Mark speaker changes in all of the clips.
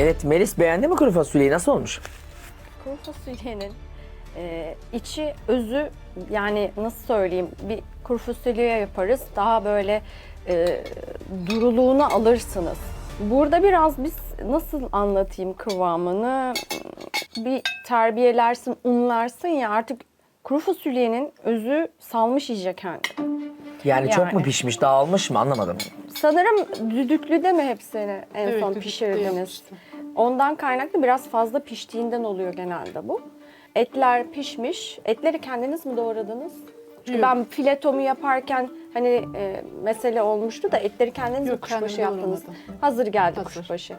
Speaker 1: Evet, Melis beğendi mi kuru fasulyeyi? Nasıl olmuş?
Speaker 2: Kuru fasulyenin içi, özü, yani nasıl söyleyeyim, bir kuru fasulye yaparız, daha böyle duruluğunu alırsınız. Burada biraz biz nasıl anlatayım kıvamını, bir terbiyelersin, unlarsın ya, artık kuru fasulyenin özü salmış iyice kendini.
Speaker 1: Yani çok mu
Speaker 2: Yani.
Speaker 1: pişmiş, dağılmış mı anlamadım.
Speaker 2: Sanırım düdüklüde mi hepsini en
Speaker 3: Evet,
Speaker 2: son
Speaker 3: düdüklüde
Speaker 2: pişirdiniz?
Speaker 3: yapmıştım.
Speaker 2: Ondan kaynaklı biraz fazla piştiğinden oluyor genelde bu. Etler pişmiş. Etleri kendiniz mi doğradınız? Çünkü
Speaker 3: Yok.
Speaker 2: ben filetomu yaparken hani mesele olmuştu da etleri kendiniz mi
Speaker 3: Yok,
Speaker 2: kuşbaşı
Speaker 3: kendim
Speaker 2: yaptınız?
Speaker 3: doğramadım.
Speaker 2: Hazır geldi
Speaker 3: Hazır.
Speaker 2: kuşbaşı.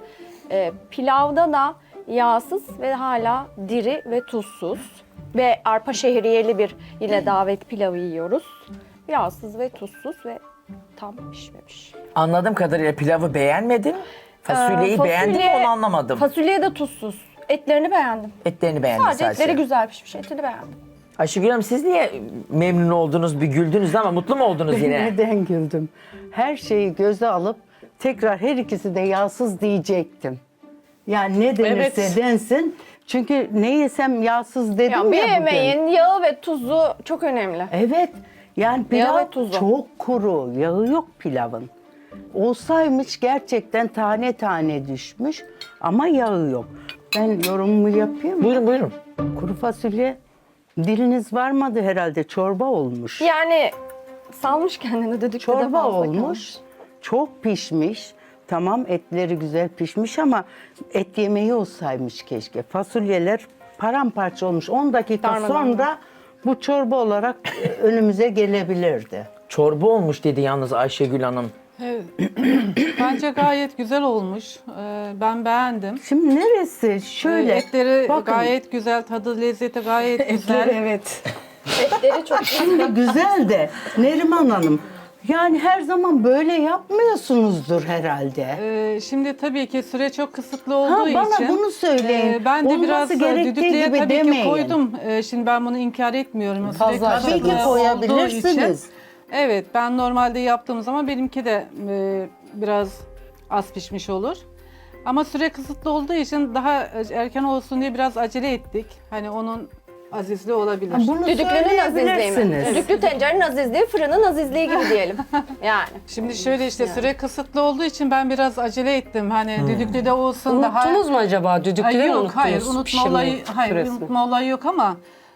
Speaker 2: Pilavda da yağsız ve hala diri ve tuzsuz. Ve arpa şehriyeli bir yine davet pilavı yiyoruz. Yağsız ve tuzsuz ve tam pişmemiş.
Speaker 1: Anladığım kadarıyla pilavı beğenmedin. Fasulyeyi beğendin mi onu anlamadım.
Speaker 2: Fasulye de tuzsuz. Etlerini beğendim.
Speaker 1: Etlerini beğendin
Speaker 2: Sadece
Speaker 1: sadece.
Speaker 2: etleri güzel pişmiş. Etini beğendim.
Speaker 1: Ayşegül Hanım siz niye memnun oldunuz, bir güldünüz ama mutlu mu oldunuz yine?
Speaker 4: Neden güldüm? Her şeyi göze alıp tekrar her ikisi de yağsız diyecektim. Yani ne denirse
Speaker 3: Evet.
Speaker 4: densin. Çünkü ne yesem yağsız dedim ya,
Speaker 2: Ya bir
Speaker 4: bugün.
Speaker 2: yemeğin yağı ve tuzu çok önemli.
Speaker 4: Evet. Yani
Speaker 2: Yağı
Speaker 4: pilav
Speaker 2: ve tuzu.
Speaker 4: çok kuru. Yağı yok pilavın. Olsaymış gerçekten tane tane düşmüş ama yağı yok. Ben yorumumu yapayım mı?
Speaker 1: Buyurun buyurun.
Speaker 4: Kuru fasulye diliniz varmadı herhalde. Çorba olmuş.
Speaker 2: Yani salmış kendini düdüklüde
Speaker 4: Çorba
Speaker 2: fazla
Speaker 4: olmuş.
Speaker 2: kalmış.
Speaker 4: Çok pişmiş. Tamam etleri güzel pişmiş ama et yemeği olsaymış keşke. Fasulyeler paramparça olmuş. 10 dakika
Speaker 2: Darmadağın.
Speaker 4: sonra bu çorba olarak önümüze gelebilirdi.
Speaker 1: Çorba olmuş dedi yalnız Ayşegül Hanım.
Speaker 3: Evet. Bence gayet güzel olmuş. Ben beğendim.
Speaker 4: Şimdi neresi? Şöyle.
Speaker 3: Etleri
Speaker 4: bakın,
Speaker 3: gayet güzel, tadı lezzeti gayet güzel.
Speaker 4: evet.
Speaker 2: Etleri çok
Speaker 4: Şimdi güzel de Neriman Hanım. Yani her zaman böyle yapmıyorsunuzdur herhalde.
Speaker 3: Şimdi tabii ki süre çok kısıtlı olduğu
Speaker 4: Ha, bana
Speaker 3: için.
Speaker 4: bunu söyleyin.
Speaker 3: Ben de
Speaker 4: Olması
Speaker 3: biraz
Speaker 4: gerektiği
Speaker 3: düdüklüye
Speaker 4: gibi
Speaker 3: tabii
Speaker 4: demeyin.
Speaker 3: ki koydum. Şimdi ben bunu inkar etmiyorum. Süre
Speaker 4: Tabii
Speaker 3: kısıtlı
Speaker 4: ki
Speaker 3: olduğu
Speaker 4: koyabilirsiniz.
Speaker 3: için. Evet, ben normalde yaptığım zaman benimki de biraz az pişmiş olur. Ama süre kısıtlı olduğu için daha erken olsun diye biraz acele ettik. Hani onun azizliği olabilir.
Speaker 4: Bunu
Speaker 2: Düdüklünün azizliği mi?
Speaker 4: söyleyebilirsiniz.
Speaker 2: Düdüklü tencerenin azizliği, fırının azizliği gibi diyelim. Yani.
Speaker 3: Şimdi şöyle işte süre kısıtlı olduğu için ben biraz acele ettim. Hani düdüklüde olsun daha...
Speaker 5: Unuttunuz mu acaba? Düdüklüde mi
Speaker 3: Yok,
Speaker 5: unuttunuz?
Speaker 3: hayır unutma
Speaker 5: pişirme
Speaker 3: olayı,
Speaker 5: süresini?
Speaker 3: unutma olayı yok ama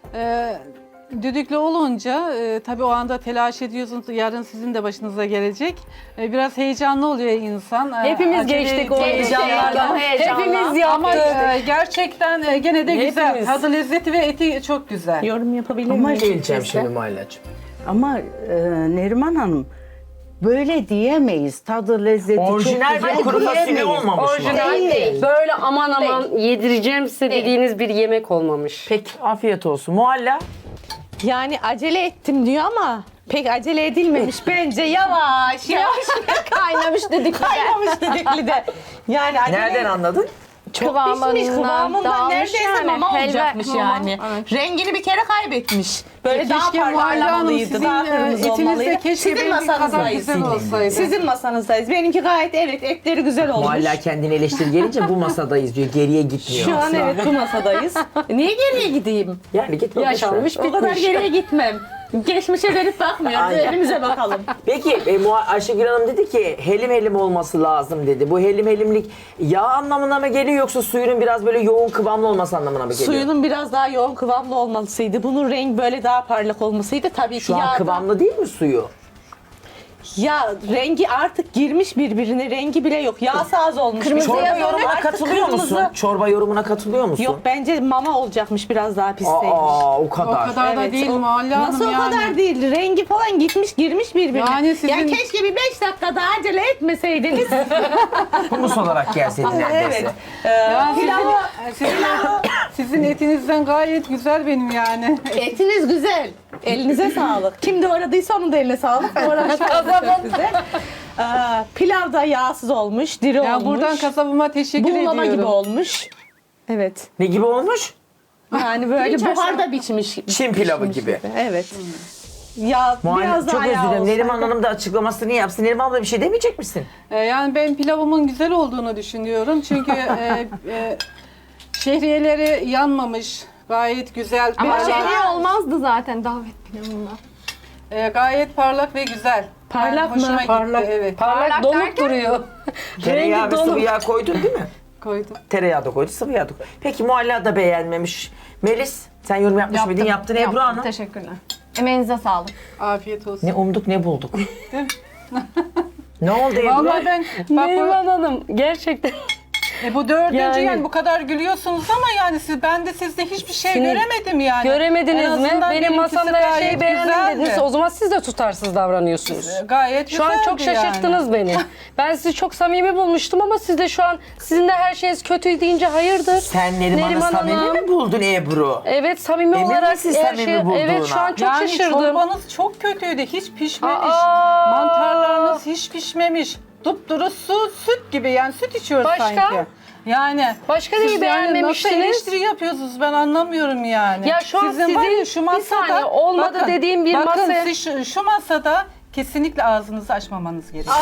Speaker 3: düdüklü olunca tabii o anda telaş ediyorsunuz. Yarın sizin de başınıza gelecek. Biraz heyecanlı oluyor insan.
Speaker 5: Hepimiz
Speaker 3: Acele
Speaker 5: geçtik o
Speaker 3: ediyor.
Speaker 5: heyecanlardan.
Speaker 2: heyecanla.
Speaker 5: Hepimiz
Speaker 3: Ama
Speaker 5: yaptık.
Speaker 3: gerçekten gene de güzel.
Speaker 5: Hepimiz.
Speaker 3: Tadı lezzeti ve eti çok güzel.
Speaker 5: Yorum yapabilir
Speaker 4: Ama
Speaker 5: miyim?
Speaker 1: Geleceğim şimdi Muhallacığım.
Speaker 4: Ama Neriman Hanım böyle diyemeyiz. Tadı lezzeti
Speaker 1: Orijinal
Speaker 4: çok
Speaker 1: bir
Speaker 4: güzel
Speaker 1: kuru fasulye
Speaker 4: diyemeyiz.
Speaker 1: olmamış mı?
Speaker 2: Değil.
Speaker 5: Böyle aman aman yedireceğim size dediğiniz bir yemek olmamış.
Speaker 1: Peki afiyet olsun. Muhalla.
Speaker 6: Yani acele ettim diyor ama pek acele edilmemiş bence. Yavaş yavaş
Speaker 2: Kaynamış düdüklüde.
Speaker 6: kaynamış düdüklüde. Yani acele
Speaker 1: Nereden anladın?
Speaker 6: çok pişmiş kıvamından
Speaker 2: dağılmış
Speaker 6: neredeyse
Speaker 2: yani.
Speaker 6: mama
Speaker 2: Helva,
Speaker 6: olacakmış
Speaker 2: mama.
Speaker 6: yani.
Speaker 2: Evet.
Speaker 6: Rengini bir kere kaybetmiş. Böyle daha
Speaker 3: Keşke Muhalle Hanım
Speaker 6: parlamalıydı,
Speaker 3: sizin
Speaker 6: daha kırmızı
Speaker 3: etiniz
Speaker 6: olmalıydı.
Speaker 3: de keşke
Speaker 6: Sizin
Speaker 3: benimki kadar
Speaker 6: masanızdayız.
Speaker 3: güzel olsaydı.
Speaker 6: Sizin masanızdayız. Benimki gayet evet etleri güzel olmuş.
Speaker 1: Muhalla kendini eleştir gelince bu masadayız diyor. Geriye gitmiyor.
Speaker 6: Şu an
Speaker 1: asla.
Speaker 6: evet bu masadayız. Niye geriye gideyim?
Speaker 1: Yani gitme.
Speaker 6: Yaşanmış o kadar geriye gitmem. Geçmişe dönüp bakmıyoruz.
Speaker 1: Aynen.
Speaker 6: Önümüze bakalım.
Speaker 1: Peki Ayşegül Hanım dedi ki helim helim olması lazım dedi. Bu helim helimlik yağ anlamına mı geliyor yoksa suyunun biraz böyle yoğun kıvamlı olması anlamına mı geliyor?
Speaker 6: Suyunun biraz daha yoğun kıvamlı olmasıydı. Bunun rengi böyle daha parlak olmasıydı. Tabii ki
Speaker 1: Şu an
Speaker 6: yağda-
Speaker 1: kıvamlı değil mi suyu?
Speaker 6: Ya rengi artık girmiş birbirine. Rengi bile yok. Yağsı az olmuş.
Speaker 2: Kırmızı
Speaker 1: Çorba
Speaker 2: yazan
Speaker 1: yorumuna
Speaker 6: artık
Speaker 1: katılıyor
Speaker 6: kırmızı.
Speaker 1: musun? Çorba yorumuna katılıyor musun?
Speaker 6: Yok bence mama olacakmış biraz daha pişseymiş.
Speaker 1: Aa o
Speaker 3: O
Speaker 1: kadar.
Speaker 3: kadar da
Speaker 6: Evet,
Speaker 3: değil
Speaker 6: o-
Speaker 3: Muhalle Hanım
Speaker 6: Nasıl o
Speaker 3: yani.
Speaker 6: kadar değil? Rengi falan gitmiş girmiş birbirine.
Speaker 3: Yani sizin-
Speaker 6: Ya keşke bir 5 dakika daha acele etmeseydiniz.
Speaker 1: Humus olarak gelseydin neredeyse.
Speaker 6: evet.
Speaker 3: Yani sizin etinizden gayet güzel benim yani.
Speaker 6: Etiniz güzel. Elinize sağlık. Kim doğradıysa onun da eline sağlık. Doğramış çok güzel. Pilav da yağsız olmuş, diri
Speaker 3: Ya
Speaker 6: olmuş.
Speaker 3: buradan kasabıma teşekkür
Speaker 6: Buğulama
Speaker 3: ediyorum.
Speaker 6: gibi olmuş. Evet.
Speaker 1: Ne gibi olmuş?
Speaker 6: Yani böyle buharda biçmiş.
Speaker 1: Çin pilavı gibi.
Speaker 6: Evet. Ya biraz
Speaker 1: Çok
Speaker 6: daha
Speaker 1: özür
Speaker 6: yağ
Speaker 1: dilerim. Neriman
Speaker 6: olsaydı.
Speaker 1: Hanım da açıklamasını yapsın. Neriman abla bir şey demeyecek misin?
Speaker 3: Yani ben pilavımın güzel olduğunu düşünüyorum. Çünkü şehriyeleri yanmamış. Gayet güzel.
Speaker 2: Ama
Speaker 3: Biraz-
Speaker 2: şehriye olmazdı zaten davet pilavında.
Speaker 3: Gayet parlak ve güzel.
Speaker 6: Parlak
Speaker 3: Yani hoşuma
Speaker 6: mı?
Speaker 3: gitti,
Speaker 6: Parlak.
Speaker 3: evet.
Speaker 5: Parlak donuk
Speaker 2: derken?
Speaker 5: duruyor.
Speaker 1: Tereyağı
Speaker 5: Rengi
Speaker 1: ve sıvı
Speaker 5: donuk.
Speaker 1: yağ koydun değil mi?
Speaker 3: Koydum.
Speaker 1: Tereyağı da koydu, sıvı yağ da koydu. Peki Mualla da beğenmemiş. Melis, sen yorum yapmış mıydın? Yaptın Ebru Hanım.
Speaker 2: Teşekkürler. Emeğinize sağlık.
Speaker 3: Afiyet olsun.
Speaker 1: Ne umduk ne bulduk. Ne oldu Ebru?
Speaker 3: Vallahi ben bak
Speaker 5: Neriman Hanım gerçekten.
Speaker 3: bu dördüncü yani.
Speaker 5: Yani-
Speaker 3: Bu kadar gülüyorsunuz ama yani ben de sizde hiçbir şey
Speaker 5: Şimdi
Speaker 3: göremedim yani. En
Speaker 5: Göremediniz mi?
Speaker 3: azından
Speaker 5: Benim
Speaker 3: benimkisi
Speaker 5: masamda her
Speaker 3: gayet
Speaker 5: şeyi beğendim
Speaker 3: güzeldi.
Speaker 5: dediniz. O zaman siz de tutarsız davranıyorsunuz.
Speaker 3: Gayet
Speaker 5: Şu an çok
Speaker 3: güzeldi
Speaker 5: şaşırttınız beni. Ben sizi çok samimi bulmuştum ama siz de şu an sizin de her şeyiniz kötü deyince hayırdır?
Speaker 1: Sen Neriman'ı samimi
Speaker 5: Hanım.
Speaker 1: mi buldun Ebru?
Speaker 5: Evet samimi
Speaker 1: Emin
Speaker 5: olarak
Speaker 1: misin
Speaker 5: her
Speaker 1: samimi
Speaker 5: şey.
Speaker 1: bulduğuna?
Speaker 5: Evet şu an çok
Speaker 3: Yani
Speaker 5: şaşırdım.
Speaker 3: çorbanız çok kötüydü. Hiç pişmemiş.
Speaker 5: Aa!
Speaker 3: Mantarlarınız hiç pişmemiş. Dupduru süt gibi yani süt içiyoruz
Speaker 5: Başka?
Speaker 3: sanki. Yani
Speaker 5: Başka
Speaker 3: siz
Speaker 5: neyi
Speaker 3: yani
Speaker 5: beğenmemiştiniz?
Speaker 3: nasıl eleştiri yapıyorsunuz ben anlamıyorum yani.
Speaker 5: Ya şu an
Speaker 3: Sizin var ya
Speaker 5: sizin bir saniye olmadı
Speaker 3: bakın,
Speaker 5: dediğim bir
Speaker 3: bakın,
Speaker 5: masa-
Speaker 3: siz şu masada kesinlikle ağzınızı açmamanız gerekiyor.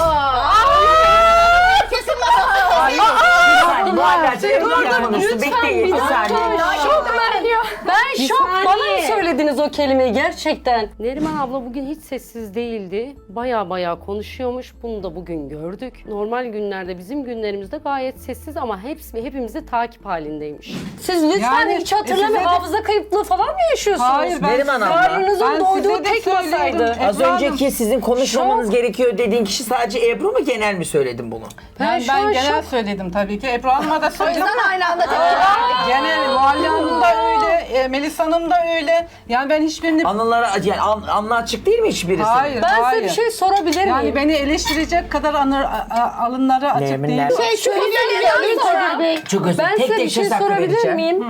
Speaker 1: Muallacığım Ebru Hanım konuşsun. Bekleyin bir saniye.
Speaker 5: Şok ben şok.
Speaker 2: saniye.
Speaker 5: Bana mı söylediniz o kelimeyi gerçekten? Neriman abla bugün hiç sessiz değildi. Baya konuşuyormuş. Bunu da bugün gördük. Normal günlerde bizim günlerimizde gayet sessiz ama hepimiz de takip halindeymiş. Siz lütfen
Speaker 3: Yani,
Speaker 5: hiç hatırlamayın.
Speaker 3: size de-
Speaker 5: Hafıza kayıplığı falan mı yaşıyorsunuz?
Speaker 3: Hayır ben
Speaker 1: Neriman
Speaker 3: size-
Speaker 1: abla.
Speaker 5: Karnınızın
Speaker 3: Ben
Speaker 5: doyduğu
Speaker 3: size de
Speaker 5: tek
Speaker 3: söylüyorum.
Speaker 5: masaydı.
Speaker 1: Az
Speaker 3: Ebru Hanım,
Speaker 1: önceki sizin konuşmamanız gerekiyor dediğin kişi sadece Ebru mu, genel mi söyledin bunu?
Speaker 3: Yani
Speaker 5: şu an
Speaker 3: ben genel
Speaker 5: şok.
Speaker 3: söyledim tabii ki. Ebru Hanım'a da söyledim.
Speaker 2: Aynı anda
Speaker 3: Genel Muhalle Hanım da öyle, Melis Hanım da öyle. Yani ben hiçbirini...
Speaker 1: Anılara, yani anla açık değil mi hiçbirisi?
Speaker 3: Hayır,
Speaker 5: Ben
Speaker 3: hayır.
Speaker 5: size bir şey sorabilir miyim?
Speaker 3: Yani beni eleştirecek kadar alınları açık
Speaker 1: Nermin,
Speaker 3: değil.
Speaker 1: nermin.
Speaker 5: Çok
Speaker 1: Çok özür
Speaker 5: Ben
Speaker 1: tek
Speaker 5: size bir
Speaker 1: tek
Speaker 5: şey
Speaker 1: söz hakkı
Speaker 5: sorabilir
Speaker 1: vereceğim.
Speaker 5: miyim?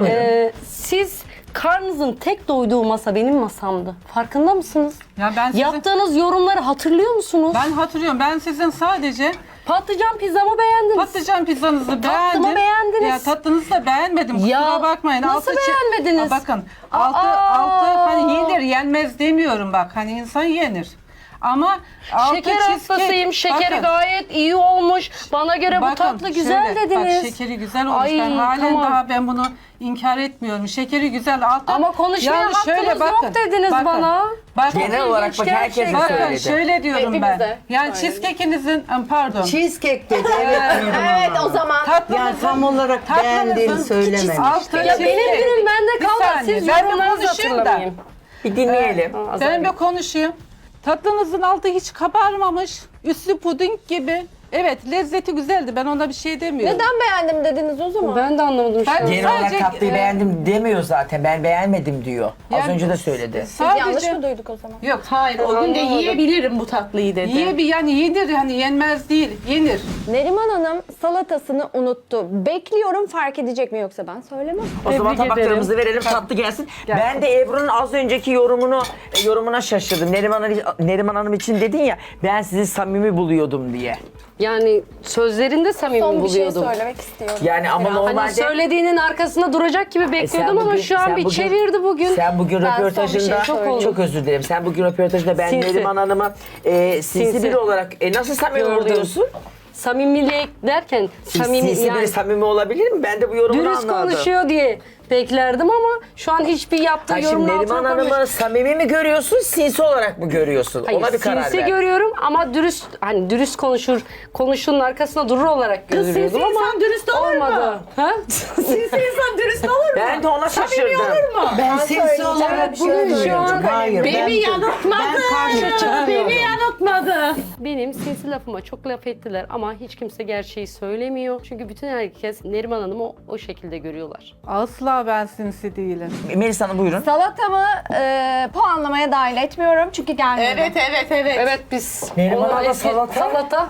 Speaker 5: Siz karnınızın tek doyduğu masa benim masamdı. Farkında mısınız?
Speaker 3: Ya ben sizin...
Speaker 5: Yaptığınız yorumları hatırlıyor musunuz?
Speaker 3: Ben hatırlıyorum. Ben sizin sadece
Speaker 5: Patlıcan pizzamı beğendiniz.
Speaker 3: patlıcan pizzanızı beğendim.
Speaker 5: beğendiniz.
Speaker 3: Ya tatlınızı da beğenmedim. Kusura
Speaker 5: Ya,
Speaker 3: bakmayın.
Speaker 5: nasıl beğenmediniz?
Speaker 3: Bakın.
Speaker 5: Aa!
Speaker 3: Altı hani yenir yenmez demiyorum bak. Hani insan yenir. Ama altı
Speaker 5: Şeker
Speaker 3: cheesecake-
Speaker 5: hastasıyım. Şekeri
Speaker 3: Bakın.
Speaker 5: gayet iyi olmuş. Bana göre bu
Speaker 3: Bakın,
Speaker 5: tatlı güzel
Speaker 3: şöyle,
Speaker 5: dediniz.
Speaker 3: Bak şekeri güzel olmuş.
Speaker 5: Ay,
Speaker 3: ben halen
Speaker 5: tamam.
Speaker 3: daha ben bunu inkar etmiyorum. Şekeri güzel. Altta,
Speaker 5: Ama konuşmaya hakkınız yok dediniz bana.
Speaker 3: Bakın,
Speaker 1: Genel olarak bak herkese
Speaker 3: bakın
Speaker 1: söyledi.
Speaker 3: şöyle diyorum ben.
Speaker 2: Hepimize
Speaker 3: Yani cheesecake'inizin pardon.
Speaker 4: Cheesecake dedi. Evet.
Speaker 2: Evet o zaman.
Speaker 4: Yani tam olarak beğendiğini söylememiş.
Speaker 3: Altı
Speaker 5: Ya benim
Speaker 3: cheesecake.
Speaker 5: günüm bende
Speaker 3: Bir
Speaker 5: kaldı.
Speaker 3: saniye,
Speaker 5: Siz
Speaker 3: ben bir
Speaker 5: yorumlarınızı
Speaker 3: konuşayım da.
Speaker 5: hatırlamayın.
Speaker 1: Bir dinleyelim.
Speaker 3: Ben bir konuşayım. Tatlınızın altı hiç kabarmamış. Üstü puding gibi. Evet lezzeti güzeldi. Ben ona bir şey demiyorum.
Speaker 2: Neden beğendim dediniz o zaman?
Speaker 5: Ben de anlamadım şu
Speaker 3: Ben-
Speaker 5: an.
Speaker 1: Genel olarak
Speaker 3: Sadece,
Speaker 1: tatlıyı beğendim demiyor zaten. Ben beğenmedim diyor. Az
Speaker 3: Yani-
Speaker 1: önce de söyledi.
Speaker 2: Biz yanlış mı duyduk o zaman?
Speaker 3: Yok.
Speaker 6: Hayır o gün de yiyebilirim bu tatlıyı dedi.
Speaker 3: Yani yenir yani yenmez değil. Yenir.
Speaker 2: Neriman Hanım salatasını unuttu. Bekliyorum fark edecek mi yoksa ben söylemem.
Speaker 1: O zaman
Speaker 5: Tebrik
Speaker 1: tabaklarımızı verelim, tatlı gelsin. Ben de Ebru'nun az önceki yorumuna şaşırdım. Neriman Hanım için dedin ya, ben sizi samimi buluyordum diye.
Speaker 5: Yani sözlerinde samimi
Speaker 2: Son bir şey
Speaker 5: buluyordum.
Speaker 2: söylemek istiyorum.
Speaker 1: Yani ama
Speaker 2: Biraz.
Speaker 1: normalde...
Speaker 5: Hani söylediğinin arkasında duracak gibi bekliyordum ama şu an bir çevirdi bugün.
Speaker 1: Sen bugün
Speaker 2: Ben son bir
Speaker 1: röportajında,
Speaker 2: şey söyleyeyim.
Speaker 1: çok özür dilerim. Sen bugün röportajında ben
Speaker 5: Sinsi.
Speaker 1: Neriman Hanım'a sinsi
Speaker 5: Sinsi.
Speaker 1: biri olarak nasıl samimi
Speaker 5: Gördüm.
Speaker 1: oluyorsun?
Speaker 5: Samimilik derken
Speaker 1: Sinsi
Speaker 5: yani
Speaker 1: biri samimi olabilir mi? Ben de bu yorumunu
Speaker 5: dürüst
Speaker 1: anladım.
Speaker 5: konuşuyor diye beklerdim ama şu an hiçbir yaptığı
Speaker 1: Hayır, şimdi
Speaker 5: yorumun
Speaker 1: Neriman
Speaker 5: altına koymuş.
Speaker 1: Hanım'ı samimi mi görüyorsun, sinsi olarak mı görüyorsun?
Speaker 5: Hayır,
Speaker 1: Ona bir karar
Speaker 5: sinsi
Speaker 1: ver.
Speaker 5: görüyorum ama dürüst konuştuğunun arkasında durur olarak görüyordum
Speaker 6: sinsi
Speaker 5: ama
Speaker 6: insan dürüst olur mu?
Speaker 5: olmadı. Ha?
Speaker 6: Sinsi insan dürüst olur mu?
Speaker 1: Ben de ona şaşırdım.
Speaker 4: Ben sinsi olarak bunu
Speaker 5: an-
Speaker 4: Hayır.
Speaker 6: Beni yanıltmadı.
Speaker 4: Ben karşı çıkıyorum.
Speaker 6: Beni yanıltmadı.
Speaker 5: Benim sinsi lafıma çok laf ettiler ama hiç kimse gerçeği söylemiyor. Çünkü bütün herkes Neriman Hanım'ı o şekilde görüyorlar.
Speaker 3: Asla ben sinsi değilim.
Speaker 1: Melis Hanım buyurun.
Speaker 2: Salatamı puanlamaya dahil etmiyorum çünkü gelmedi.
Speaker 6: Evet.
Speaker 5: Evet biz
Speaker 1: Neriman
Speaker 5: ona
Speaker 1: abla
Speaker 5: eski-
Speaker 1: salata.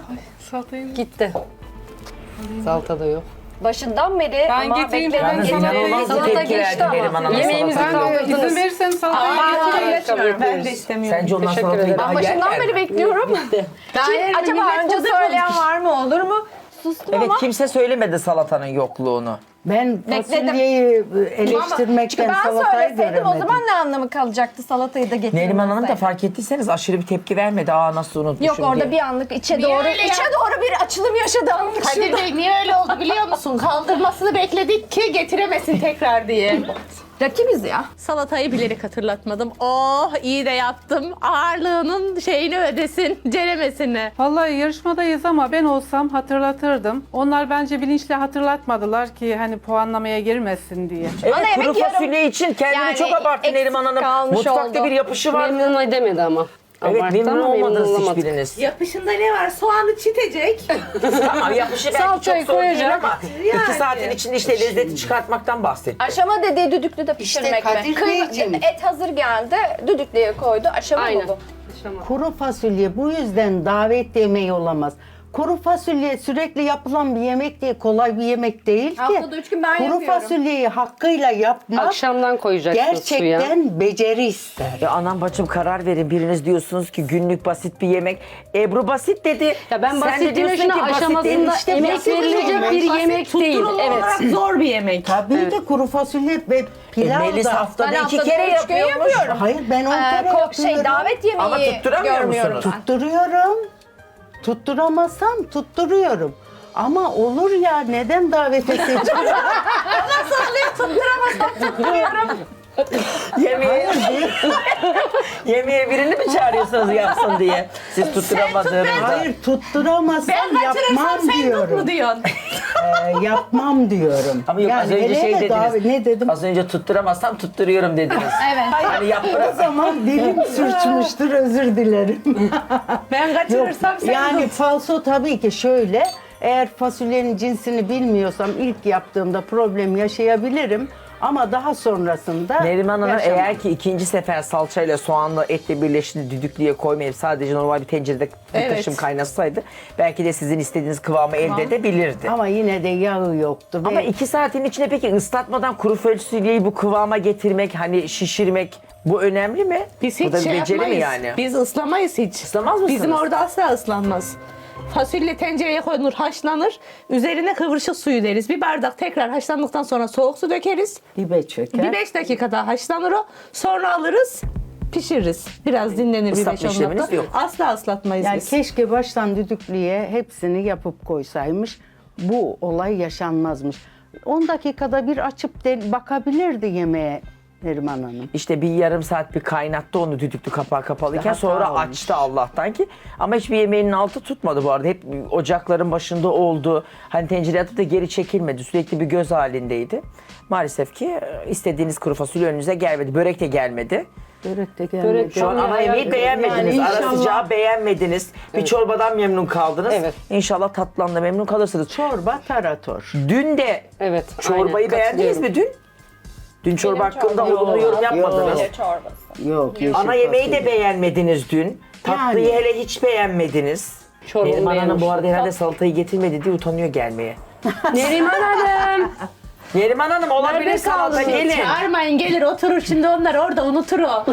Speaker 5: gitti. Salata da yok.
Speaker 2: Başından beri
Speaker 3: Ben
Speaker 2: ama
Speaker 3: getireyim,
Speaker 2: bekledim.
Speaker 3: ben
Speaker 1: Yalnız
Speaker 3: salatayı-
Speaker 1: inanılmaz bir
Speaker 5: Salata
Speaker 1: tepki
Speaker 5: geçti
Speaker 1: verdi
Speaker 5: ama.
Speaker 1: Neriman Hanım
Speaker 5: Yemeğimizi
Speaker 1: salataya.
Speaker 5: kaldırdınız.
Speaker 3: İzin verirseniz salatayı getireyim.
Speaker 6: Ben de istemiyorum.
Speaker 1: Sence onlar
Speaker 5: Teşekkür
Speaker 1: salatayı
Speaker 5: ederim.
Speaker 1: daha
Speaker 2: Ben başından
Speaker 1: yerler
Speaker 2: beri
Speaker 1: mi?
Speaker 2: bekliyorum. Acaba önce söyleyen var mı olur mu? Sustum
Speaker 1: Evet,
Speaker 2: ama
Speaker 1: kimse söylemedi salatanın yokluğunu.
Speaker 4: Ben
Speaker 2: Bekledim.
Speaker 4: fasulyeyi eleştirmekten
Speaker 2: Ben
Speaker 4: salatayı
Speaker 2: söyleseydim
Speaker 4: göremedim.
Speaker 2: o zaman ne anlamı kalacaktı salatayı da getirmeseydim.
Speaker 1: Neriman Hanım da fark ettiyseniz aşırı bir tepki vermedi. Aa nasıl unutmuşum
Speaker 2: Yok orada
Speaker 1: diye.
Speaker 2: bir anlık içe
Speaker 6: Niye
Speaker 2: doğru
Speaker 6: öyle ya?
Speaker 2: bir açılım yaşadı anlık
Speaker 6: Kadir
Speaker 2: şurada.
Speaker 6: Bey niye öyle oldu biliyor musun? Kaldırmasını bekledik ki getiremesin tekrar diye.
Speaker 2: Rakibiz ya.
Speaker 6: Salatayı bilerek hatırlatmadım. Oh iyi de yaptım. Ağırlığının şeyini ödesin, ceremesini.
Speaker 3: Vallahi yarışmadayız ama ben olsam hatırlatırdım. Onlar bence bilinçli hatırlatmadılar ki hani puanlamaya girmesin diye.
Speaker 1: Evet,
Speaker 2: Ana
Speaker 1: kuru
Speaker 2: yemek yarım.
Speaker 1: fasulye için kendini
Speaker 2: Yani
Speaker 1: çok abarttı
Speaker 2: eksik
Speaker 1: Neriman Hanım.
Speaker 2: kalmış
Speaker 1: Mutfakta
Speaker 2: oldu.
Speaker 1: bir yapışı var.
Speaker 5: Memnun edemedi ama.
Speaker 1: Evet,
Speaker 5: Abarttı
Speaker 1: memnun
Speaker 5: ama
Speaker 1: olmadınız
Speaker 5: olamadık.
Speaker 1: hiçbiriniz.
Speaker 6: Yapışında ne var? Soğanı çitecek.
Speaker 1: Tamam, yapışı belki
Speaker 5: Salçayı
Speaker 1: çok zor değil
Speaker 5: koyacak.
Speaker 1: ama 2 saatin içinde işte lezzeti çıkartmaktan bahsetti.
Speaker 2: Aşama dediği düdüklü de pişirmek
Speaker 4: Kadir
Speaker 2: mi?
Speaker 4: Beyciğim.
Speaker 2: Et hazır geldi, düdüklüye koydu. Aşama
Speaker 5: Aynen.
Speaker 2: mı bu?
Speaker 4: Kuru fasulye bu yüzden davet yemeği olamaz. Kuru fasulye sürekli yapılan bir yemek değil, kolay bir yemek değil ki.
Speaker 2: Haftada 3 gün ben
Speaker 4: Kuru
Speaker 2: yapıyorum.
Speaker 4: fasulyeyi hakkıyla yapmak
Speaker 5: Akşamdan koyacaksın suya.
Speaker 4: gerçekten beceri ister.
Speaker 1: Ya anam bacım karar verin. Biriniz diyorsunuz ki günlük basit bir yemek. Ebru basit dedi.
Speaker 5: Ya ben
Speaker 1: Sen de
Speaker 5: basitliğin
Speaker 1: diyorsun
Speaker 5: üstüne
Speaker 1: ki basit değil.
Speaker 5: aşamasında
Speaker 1: İşte
Speaker 5: emek
Speaker 1: basit
Speaker 5: verilecek
Speaker 1: yemek.
Speaker 5: bir yemek değil. Evet.
Speaker 6: olarak zor bir yemek.
Speaker 4: Tabii ki kuru fasulye ve pilav
Speaker 1: Melis
Speaker 4: da.
Speaker 1: haftada
Speaker 2: Ben
Speaker 1: 2
Speaker 2: haftada
Speaker 1: kere
Speaker 2: 3 gün
Speaker 1: yapıyormuş.
Speaker 2: yapıyorum.
Speaker 4: Hayır ben 10 kere yapıyorum.
Speaker 2: Davet yemeği
Speaker 1: Ama tutturamıyor
Speaker 2: görmüyorum
Speaker 1: musunuz?
Speaker 2: ben.
Speaker 4: Tutturuyorum. Tutturamazsam tutturuyorum. Ama olur ya neden davete seçiyorum?
Speaker 1: Yemeğe, yemeğe birini mi çağırıyorsunuz yapsın diye? Siz tutturamadığınızda.
Speaker 4: Hayır tutturamazsam
Speaker 6: Ben kaçırırsam
Speaker 4: yapmam
Speaker 6: sen tut
Speaker 4: diyorum.
Speaker 6: mu diyorsun?
Speaker 4: Yapmam diyorum.
Speaker 1: Ama yok az önce
Speaker 4: hele
Speaker 1: şey
Speaker 4: de
Speaker 1: dediniz.
Speaker 4: ne dedim?
Speaker 1: Az önce tutturamazsam tutturuyorum dediniz.
Speaker 2: Evet.
Speaker 1: Hani yap
Speaker 4: O
Speaker 1: bırak.
Speaker 4: zaman dilim sürçmüştür özür dilerim.
Speaker 6: Ben
Speaker 4: Yok,
Speaker 6: kaçırırsam sen
Speaker 4: yani
Speaker 6: tut.
Speaker 4: falso tabii ki şöyle. Eğer fasulyenin cinsini bilmiyorsam ilk yaptığımda problem yaşayabilirim. Ama daha sonrasında
Speaker 1: Neriman Hanım
Speaker 4: yaşamam.
Speaker 1: eğer ki ikinci sefer salçayla soğanla etle birleşti düdüklüye koymayıp sadece normal bir tencerede bir
Speaker 6: Evet.
Speaker 1: taşım kaynasaydı belki de sizin istediğiniz kıvamı elde edebilirdi.
Speaker 4: Ama yine de yağı yoktu.
Speaker 1: Ama 2 saatin içinde peki ıslatmadan kuru fasulyeyi bu kıvama getirmek, hani şişirmek bu önemli mi?
Speaker 6: Biz
Speaker 1: bu
Speaker 6: hiç
Speaker 1: da bir
Speaker 6: şey
Speaker 1: beceri mi
Speaker 6: yapmayız.
Speaker 1: yani?
Speaker 6: Biz ıslamayız hiç.
Speaker 1: Islamaz mısınız?
Speaker 6: Bizim orada asla ıslanmaz. Fasulye tencereye konulur, haşlanır. Üzerine kıvırcık suyu deriz. Bir bardak tekrar haşlandıktan sonra soğuk su dökeriz.
Speaker 4: dibe çöker.
Speaker 6: Bir 5 dakika daha haşlanır o. Sonra alırız, pişiririz. Biraz dinlenir bir
Speaker 1: Islatma
Speaker 6: 5-10
Speaker 1: işleminiz
Speaker 6: dakika.
Speaker 1: yok.
Speaker 6: Asla ıslatmayız
Speaker 4: Yani
Speaker 6: biz.
Speaker 4: keşke baştan düdüklüye hepsini yapıp koysaymış. Bu olay yaşanmazmış. 10 dakikada bir açıp bakabilirdi yemeğe Neriman Hanım.
Speaker 1: İşte bir yarım saat bir kaynattı onu düdüklü kapağı kapalıyken
Speaker 4: Hata
Speaker 1: sonra
Speaker 4: olmuş.
Speaker 1: açtı Allah'tan ki. Ama hiçbir yemeğinin altı tutmadı bu arada. Hep ocakların başında oldu. Hani tencereye atıp da geri çekilmedi. Sürekli bir göz halindeydi. Maalesef ki istediğiniz kuru fasulye önünüze gelmedi. Börek de gelmedi.
Speaker 4: Börek de gelmedi.
Speaker 5: Börek
Speaker 1: Şu an ana yemeği beğenmediniz.
Speaker 4: Yani
Speaker 1: Ara
Speaker 4: inşallah-
Speaker 1: sıcağı beğenmediniz. Bir çorbadan memnun kaldınız.
Speaker 5: Evet.
Speaker 1: İnşallah tatlıdan da memnun kalırsınız.
Speaker 4: Çorba tarator.
Speaker 1: Dün de
Speaker 5: Evet.
Speaker 1: çorbayı
Speaker 5: aynen,
Speaker 1: beğendiniz
Speaker 5: katılıyorum.
Speaker 1: mi dün? Dün çorba hakkında
Speaker 2: çorbam-
Speaker 1: olumlu yorum yapmadınız.
Speaker 4: Yok.
Speaker 2: Çorbası.
Speaker 4: Yok. yeşil
Speaker 1: Ana yemeği de
Speaker 4: fasulye.
Speaker 1: beğenmediniz dün. Tatlıyı
Speaker 4: Yani.
Speaker 1: hele hiç beğenmediniz.
Speaker 5: Çorbayı
Speaker 1: Neriman Hanım bu
Speaker 5: beğenmiştim.
Speaker 1: arada herhalde salatayı getirmedi diye utanıyor gelmeye.
Speaker 5: Neriman Hanım.
Speaker 1: Neriman Hanım olabilir
Speaker 5: Nerede
Speaker 1: salata
Speaker 5: kaldınız?
Speaker 1: gelin.
Speaker 6: Çağırmayın gelir oturur şimdi onlar orada unutur o.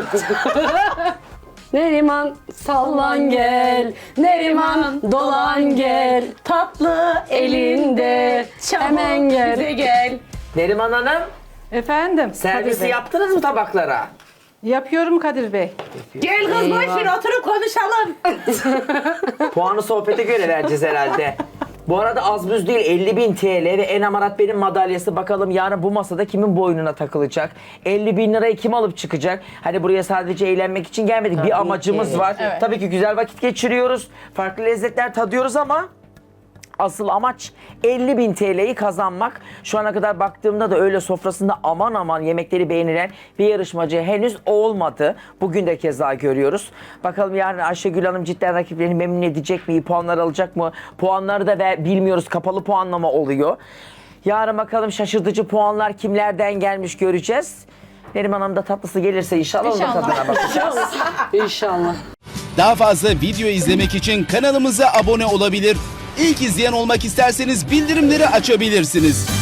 Speaker 5: Neriman sallan gel. Neriman dolan gel.
Speaker 6: Tatlı
Speaker 5: Elinde
Speaker 6: çabuk
Speaker 5: hemen gel.
Speaker 6: bize gel.
Speaker 1: Neriman Hanım
Speaker 3: Efendim?
Speaker 1: servisi
Speaker 3: Kadir Bey.
Speaker 1: yaptınız mı tabaklara?
Speaker 3: Yapıyorum Kadir Bey.
Speaker 6: Gel kız boş ver oturup konuşalım.
Speaker 1: Puanı sohbete göre vereceğiz herhalde. Bu arada az buz değil 50.000 TL ve en amarat benim madalyası. Bakalım yarın bu masada kimin boynuna takılacak? 50.000 lirayı kim alıp çıkacak? Hani buraya sadece eğlenmek için gelmedik.
Speaker 4: Tabii
Speaker 1: bir amacımız
Speaker 4: ki.
Speaker 1: var. Tabii ki güzel vakit geçiriyoruz. Farklı lezzetler tadıyoruz ama asıl amaç 50.000 TL'yi kazanmak. Şu ana kadar baktığımda da öyle sofrasında aman aman yemekleri beğenilen bir yarışmacı henüz olmadı. Bugün de keza görüyoruz. Bakalım yarın Ayşegül Hanım cidden rakiplerini memnun edecek mi? İyi puanlar alacak mı? Puanları da bilmiyoruz. Kapalı puanlama oluyor. Yarın bakalım şaşırtıcı puanlar kimlerden gelmiş göreceğiz. Neriman Hanım da tatlısı gelirse inşallah, onun tadına bakacağız.
Speaker 5: İnşallah.
Speaker 7: Daha fazla video izlemek için kanalımıza abone olabilir. İlk izleyen olmak isterseniz bildirimleri açabilirsiniz.